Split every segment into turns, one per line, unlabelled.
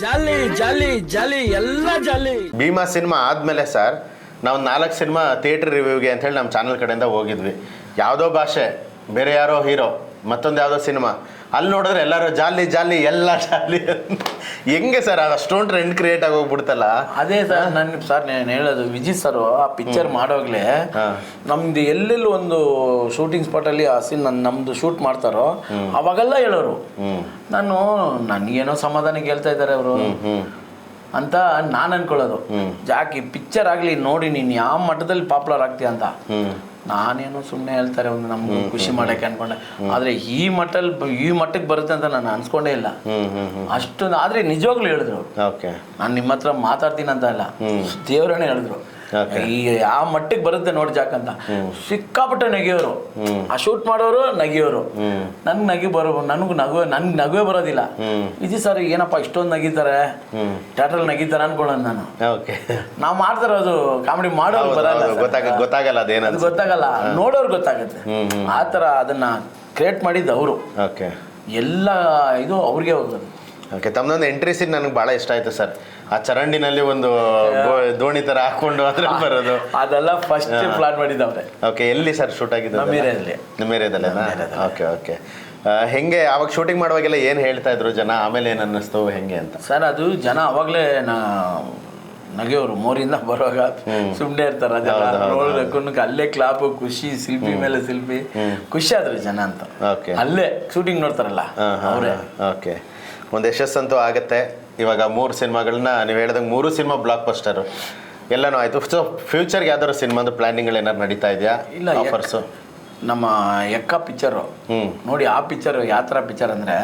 ಜಾಲಿ jolly jolly ಎಲ್ಲ jolly.
Bheema cinema ಆದಮೇಲೆ sir ನಾವು 4 ಸಿನಿಮಾ ಥಿಯೇಟ್ರ್ ರಿವ್ಯೂಗೆ ಅಂಥೇಳಿ ನಮ್ಮ ಚಾನಲ್ ಕಡೆಯಿಂದ ಹೋಗಿದ್ವಿ. ಯಾವುದೋ ಭಾಷೆ, ಬೇರೆ ಯಾರೋ ಹೀರೋ, ಮತ್ತೊಂದು ಯಾವುದೋ ಸಿನಿಮಾ, ಅಲ್ಲಿ ನೋಡಿದ್ರೆ ಎಲ್ಲರೂ ಜಾಲಿ ಜಾಲಿ ಎಲ್ಲ ಜಾಲಿ. ಹೆಂಗೆ ಸರ್ ಅದು ಅಷ್ಟೊಂದು ಟ್ರೆಂಡ್ ಕ್ರಿಯೇಟ್ ಆಗಿ ಹೋಗ್ಬಿಡ್ತಲ್ಲ?
ಅದೇ ಸರ್ ನಾನು ಹೇಳೋದು, ವಿಜಯ್ ಸರ್ ಆ ಪಿಕ್ಚರ್ ಮಾಡೋಗ್ಲೇ ನಮ್ದು ಎಲ್ಲೆಲ್ಲಿ ಒಂದು ಶೂಟಿಂಗ್ ಸ್ಪಾಟಲ್ಲಿ ಆ ಸೀನ್ ನಮ್ದು ಶೂಟ್ ಮಾಡ್ತಾರೋ ಅವಾಗೆಲ್ಲ ಹೇಳೋರು. ನನಗೇನೋ ಸಮಾಧಾನಕ್ಕೆ ಹೇಳ್ತಾ ಇದ್ದಾರೆ ಅವರು ಅಂತ ನಾನು ಅನ್ಕೊಳ್ಳೋದು. ಜಾಕಿ ಪಿಕ್ಚರ್ ಆಗಲಿ ನೋಡಿ ನೀನು ಯಾವ ಮಟ್ಟದಲ್ಲಿ ಪಾಪ್ಯುಲರ್ ಆಗ್ತೀಯ ಅಂತ. ನಾನೇನು ಸುಮ್ಮನೆ ಹೇಳ್ತಾರೆ ಒಂದು ನಮ್ಗೆ ಖುಷಿ ಮಾಡೋಕ್ಕೆ ಅನ್ಕೊಂಡೆ, ಆದರೆ ಈ ಮಟ್ಟಕ್ಕೆ ಬರುತ್ತೆ ಅಂತ ನಾನು ಅನ್ಸ್ಕೊಂಡೇ ಇಲ್ಲ. ಅಷ್ಟೊಂದು ಆದರೆ ನಿಜವಾಗ್ಲೂ ಹೇಳಿದ್ರು. ನಾನು ನಿಮ್ಮ ಹತ್ರ ಮಾತಾಡ್ತೀನಿ ಅಂತ ಇಲ್ಲ, ದೇವರನ್ನೇ ಹೇಳಿದ್ರು ಈ ಆ ಮಟ್ಟಿಗೆ ಬರುತ್ತೆ ನೋಡಿ ಜಾಕ್ ಅಂತ. ಸಿಕ್ಕಾಪಟ್ಟೆ ನಗಿಯೋರು, ಆ ಶೂಟ್ ಮಾಡೋರು ನಗಿಯೋರು. ನನ್ಗೆ ನಗುವೇ ಬರೋದಿಲ್ಲ. ವಿಜಯ್ ಸರ್ ಏನಪ್ಪ ಇಷ್ಟೊಂದು ನಗಿತಾರೆ, ಥಿಯೇಟ್ರಲ್ಲಿ ನಗಿತಾರೆ ಅನ್ಕೊಳ್ಳೋದು ನಾನು. ನಾವು ಮಾಡ್ತಾರೋದು ಕಾಮಿಡಿ ಮಾಡೋರು ಬರಲ್ಲ,
ಗೊತ್ತಾಗಲ್ಲ, ಅದೇನದು
ಗೊತ್ತಾಗಲ್ಲ, ನೋಡೋರು ಗೊತ್ತಾಗುತ್ತೆ. ಆ ಥರ ಅದನ್ನ ಕ್ರಿಯೇಟ್ ಮಾಡಿದ್ದು ಅವರು. ಎಲ್ಲ ಇದು ಅವ್ರಿಗೆ ಹೋಗೋದು.
ತಮ್ಮದೊಂದು ಎಂಟ್ರಿ ಸೀನ್ ನನಗೆ ಭಾಳ ಇಷ್ಟ ಆಯ್ತು ಸರ್. ಆ ಚರಂಡಿನಲ್ಲಿ ಒಂದು ದೋಣಿ ತರ ಹಾಕೊಂಡು ಅದ್ರಲ್ಲಿ ಬರೋದು,
ಅದೆಲ್ಲ ಫಸ್ಟ್ ಪ್ಲಾನ್ ಮಾಡಿದ್ದವ್ರೆ.
ಎಲ್ಲಿ ಸರ್ ಶೂಟ್ ಆಗಿದ್ದು? ನಮ್ಮ ಏರಿಯಾದಲ್ಲೇನಾ? ಓಕೆ. ಹೆಂಗೆ ಅವಾಗ ಶೂಟಿಂಗ್ ಮಾಡುವಾಗೆಲ್ಲ ಏನು ಹೇಳ್ತಾ ಇದ್ರು ಜನ, ಆಮೇಲೆ ಏನು ಅನ್ನಿಸ್ತು ಹೆಂಗೆ ಅಂತ?
ಸರ್ ಅದು ಜನ ಅವಾಗಲೇ ನಗೆಯವರು ಮೋರಿಂದ ಬರುವಾಗ ಸುಮ್ಮನೆ ಇರ್ತಾರೆ. ಅದೆಲ್ಲ ನೋಡೋದಕ್ಕೂ ಅಲ್ಲೇ ಕ್ಲಾಪು, ಖುಷಿ, ಶಿಲ್ಪಿ ಮೇಲೆ ಶಿಲ್ಪಿ, ಖುಷಿ ಆದ್ರು ಜನ ಅಂತ. ಅಲ್ಲೇ ಶೂಟಿಂಗ್ ನೋಡ್ತಾರಲ್ಲ ಅವರೇ.
ಒಂದು ಯಶಸ್ಸಂತೂ ಆಗುತ್ತೆ. ಇವಾಗ 3 ಸಿನಿಮಾಗಳನ್ನ ನೀವು ಹೇಳಿದಂಗೆ 3 ಸಿನಿಮಾ ಬ್ಲಾಕ್ ಬಸ್ಟರು ಎಲ್ಲನೂ ಆಯಿತು. ಸೊ ಫ್ಯೂಚರ್ಗೆ ಯಾವ್ದಾದ್ರು ಸಿನಿಮಾದ ಪ್ಲಾನಿಂಗ್ಗಳು ಏನಾದ್ರು ನಡೀತಾ ಇದೆಯಾ?
ಇಲ್ಲ, ಆಫರ್ಸು ನಮ್ಮ ಎಕ್ಕ ಪಿಕ್ಚರು ನೋಡಿ. ಆ ಪಿಕ್ಚರ್ ಯಾವ ಥರ ಪಿಕ್ಚರ್ ಅಂದರೆ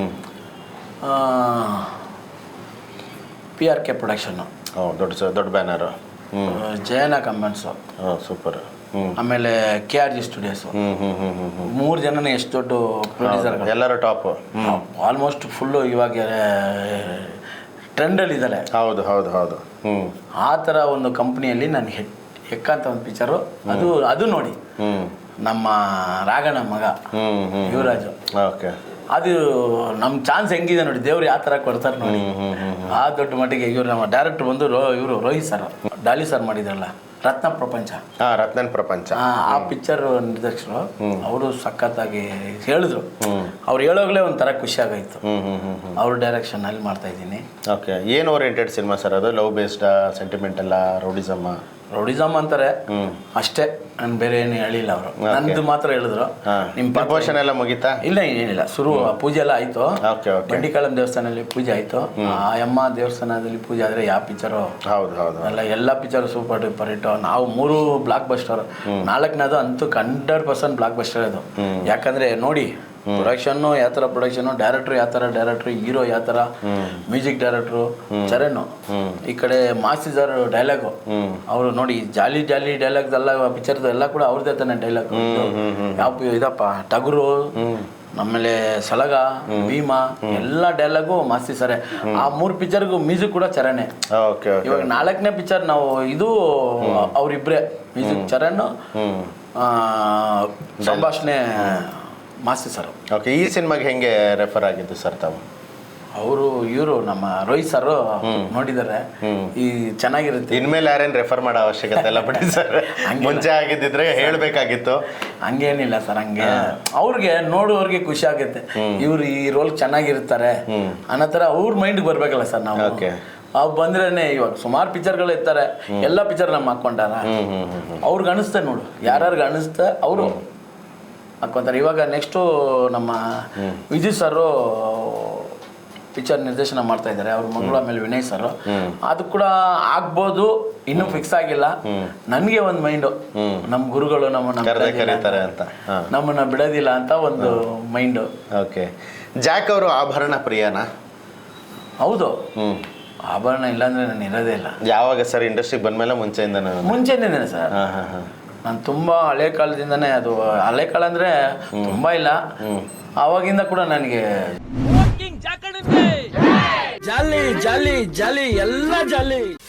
PRK ಪ್ರೊಡಕ್ಷನ್ನು,
ದೊಡ್ಡ ಬ್ಯಾನರು,
ಜಯನ ಕಮೆಂಟ್ಸು,
ಸೂಪರ್.
ಆಮೇಲೆ KRG ಸ್ಟುಡಿಯೋಸು. 3 ಜನನೇ ಎಷ್ಟು ದೊಡ್ಡ ಪ್ರೊಡ್ಯೂಸರ್ಗಳು,
ಎಲ್ಲರೂ ಟಾಪ್,
ಆಲ್ಮೋಸ್ಟ್ ಫುಲ್ಲು ಇವಾಗ ಟ್ರೆಂಡಲ್ಲಿ ಇದ್ದಾರೆ.
ಹೌದು.
ಆ ಥರ ಒಂದು ಕಂಪ್ನಿಯಲ್ಲಿ ನಾನು ಹೆಕ್ಕ ಅಂತ ಒಂದು ಪಿಕ್ಚರು, ಅದು ನೋಡಿ ನಮ್ಮ ರಾಘಣ್ಣ ಮಗ ಯುವರಾಜು. ಅದು ನಮ್ಮ ಚಾನ್ಸ್ ಹೆಂಗಿದೆ ನೋಡಿ, ದೇವ್ರು ಯಾವ ಥರ ಕೊಡ್ತಾರೆ ನೋಡಿ. ಆ ದೊಡ್ಡ ಮಟ್ಟಿಗೆ ಇವ್ರು ನಮ್ಮ ಡೈರೆಕ್ಟರ್ ಬಂದು ಇವರು ರೋಹಿತ್ ಸರ್, ಡಾಲಿ ಸರ್ ಮಾಡಿದ್ರಲ್ಲ ರತ್ನ ಪ್ರಪಂಚ, ಆ ಪಿಕ್ಚರ್ ನಿರ್ದೇಶಕರು ಅವರು ಸಖತ್ತಾಗಿ ಹೇಳಿದ್ರು. ಅವ್ರು ಹೇಳೋಗ್ಲೇ ಒಂಥರ ಖುಷಿ ಆಗೋಯ್ತು. ಅವ್ರ ಡೈರೆಕ್ಷನ್ ಅಲ್ಲಿ ಮಾಡ್ತಾ ಇದ್ದೀನಿ.
ಏನು ಓರಿಯೆಂಟೆಡ್ ಸಿನಿಮಾ ಸರ್ ಅದು? ಲವ್ ಬೇಸ್ಡಾ, ಸೆಂಟಿಮೆಂಟಲ್ಲ,
ರೌಡಿಸಮ್ ಅಂತಾರೆ ಅಷ್ಟೇ. ನಾನು ಬೇರೆ ಏನು ಹೇಳಿಲ್ಲ. ಅವರು ನಂದು ಮಾತ್ರ ಹೇಳಿದ್ರು.
ನಿಮ್ಮ ಪ್ರಪೋಷನ್ ಎಲ್ಲ ಮುಗೀತಾ?
ಇಲ್ಲ, ಏನಿಲ್ಲ. ಪೂಜೆ ಎಲ್ಲ ಆಯ್ತು. ಬಂಡಿಕಾಳಂ ದೇವಸ್ಥಾನದಲ್ಲಿ ಪೂಜೆ ಆಯ್ತು. ಆ ಅಮ್ಮ ದೇವಸ್ಥಾನದಲ್ಲಿ ಪೂಜೆ ಆದ್ರೆ ಯಾವ ಪಿಕ್ಚರು? ಎಲ್ಲ ಪಿಕ್ಚರ್ ಸೂಪರ್ ಡೂಪರ್ ಹಿಟ್ಟು. ನಾವು 3 ಬ್ಲಾಕ್ ಬಸ್ಟರ್, 4ನೇದು ಅಂತೂ 100% ಬ್ಲಾಕ್ ಬಸ್ಟರ್ ಅದು. ಯಾಕಂದ್ರೆ ನೋಡಿ, ಪ್ರೊಡಕ್ಷನ್ನು ಯಾವ ಥರ ಪ್ರೊಡಕ್ಷನ್ನು, ಡೈರೆಕ್ಟ್ರು ಯಾವ ಥರ ಡೈರೆಕ್ಟ್ರು, ಹೀರೋ ಯಾವ ಥರ, ಮ್ಯೂಸಿಕ್ ಡೈರೆಕ್ಟ್ರು ಚರಣ್, ಈ ಕಡೆ ಮಾಸಿದರ್ ಡೈಲಾಗು ಅವರು ನೋಡಿ. ಜಾಲಿ ಜಾಲಿ ಡೈಲಾಗ್ಸ್ ಎಲ್ಲ ಪಿಕ್ಚರ್ದು ಎಲ್ಲ ಕೂಡ ಅವ್ರದ್ದೇ ತಾನೆ ಡೈಲಾಗ್. ಯಾವ ಇದಪ್ಪ ಟಗರು, ಆಮೇಲೆ ಸಲಗ, ಭೀಮಾ ಎಲ್ಲ ಡೈಲಾಗು ಮಾಸ್ತಿ ಸರೇ. ಆ 3 ಪಿಕ್ಚರ್ಗೂ ಮ್ಯೂಸಿಕ್ ಕೂಡ ಚರಣೆ. ಇವಾಗ 4ನೇ ಪಿಕ್ಚರ್ ನಾವು ಇದು ಅವರಿಬ್ಬರೇ ಮ್ಯೂಸಿಕ್, ಚರಣ್, ಸಂಭಾಷಣೆ ಮಾಸ್ತಿ ಸರ್.
ಈ ಸಿನಿಮಾಗೆ ಹೆಂಗೆ ರೆಫರ್ ಆಗಿದ್ದು ಸರ್ ತಾವು?
ಇವರು ನಮ್ಮ ರೋಹಿತ್ ಸರ್ ನೋಡಿದ್ದಾರೆ, ಈ ಚೆನ್ನಾಗಿರುತ್ತೆ.
ಇನ್ಮೇಲೆ ಯಾರೇನು ರೆಫರ್ ಮಾಡೋ ಅವಶ್ಯಕತೆ ಇಲ್ಲ ಬಿಡಿ ಸರ್. ಮುಂಚೆ ಆಗಿದ್ದಿದ್ರೆ ಹೇಳ್ಬೇಕಾಗಿತ್ತು.
ಹಂಗೇನಿಲ್ಲ ಸರ್, ಹಂಗೆ ಅವ್ರಿಗೆ ನೋಡುವವ್ರಿಗೆ ಖುಷಿ ಆಗುತ್ತೆ. ಇವ್ರು ಈ ರೋಲ್ ಚೆನ್ನಾಗಿರ್ತಾರೆ ಅನ್ನೋ ಥರ ಅವ್ರ ಮೈಂಡ್ಗೆ ಬರ್ಬೇಕಲ್ಲ ಸರ್. ನಾವು ಅವು ಬಂದ್ರೇನೆ ಇವಾಗ ಸುಮಾರು ಪಿಕ್ಚರ್ಗಳು ಇರ್ತಾರೆ, ಎಲ್ಲ ಪಿಕ್ಚರ್ ನಮ್ಮ ಹಾಕೊಂಡಾರ. ಅವ್ರಿಗೆ ಅನಿಸ್ತೆ ನೋಡು, ಯಾರ್ಯಾರಿಗೆ ಅನಿಸ್ತೆ ಅವರು ಹಾಕ್ಕೊಂತಾರೆ. ಇವಾಗ ನೆಕ್ಸ್ಟು ನಮ್ಮ ವಿಜಯ್ ಸರ್ ಪಿಕ್ಚರ್ ನಿರ್ದೇಶನ ಮಾಡ್ತಾ ಇದ್ದಾರೆ. ಅವ್ರ ಮಗಳು, ಆಮೇಲೆ ವಿನಯ್ ಸರ್. ಅದು ಕೂಡ ಆಗ್ಬೋದು, ಇನ್ನೂ ಫಿಕ್ಸ್ ಆಗಿಲ್ಲ. ನನಗೆ ಒಂದು ಮೈಂಡು, ನಮ್ಮ ಗುರುಗಳು ನಮ್ಮನ್ನ ಬಿಡೋದಿಲ್ಲ ಅಂತ ಒಂದು ಮೈಂಡು.
ಜಾಕ್ ಅವರು ಆಭರಣ ಪ್ರಿಯನಾ?
ಹೌದು, ಆಭರಣ ಇಲ್ಲಾಂದ್ರೆ ನಾನು ಇರೋದೇ ಇಲ್ಲ.
ಯಾವಾಗ ಸರ್ ಇಂಡಸ್ಟ್ರಿಗೆ ಬಂದ್ಮೇಲೆ?
ಮುಂಚೆನೇ ಸರ್. ನಾನು ತುಂಬ ಹಳೆ ಕಾಲದಿಂದನೇ, ಅದು ಹಳೆ ಕಾಲ ಅಂದರೆ ತುಂಬ ಇಲ್ಲ, ಆವಾಗಿಂದ ಕೂಡ ನನಗೆ ಜಾಲಿ ಜಾಲಿ ಜಾಲಿ ಎಲ್ಲ ಜಾಲಿ.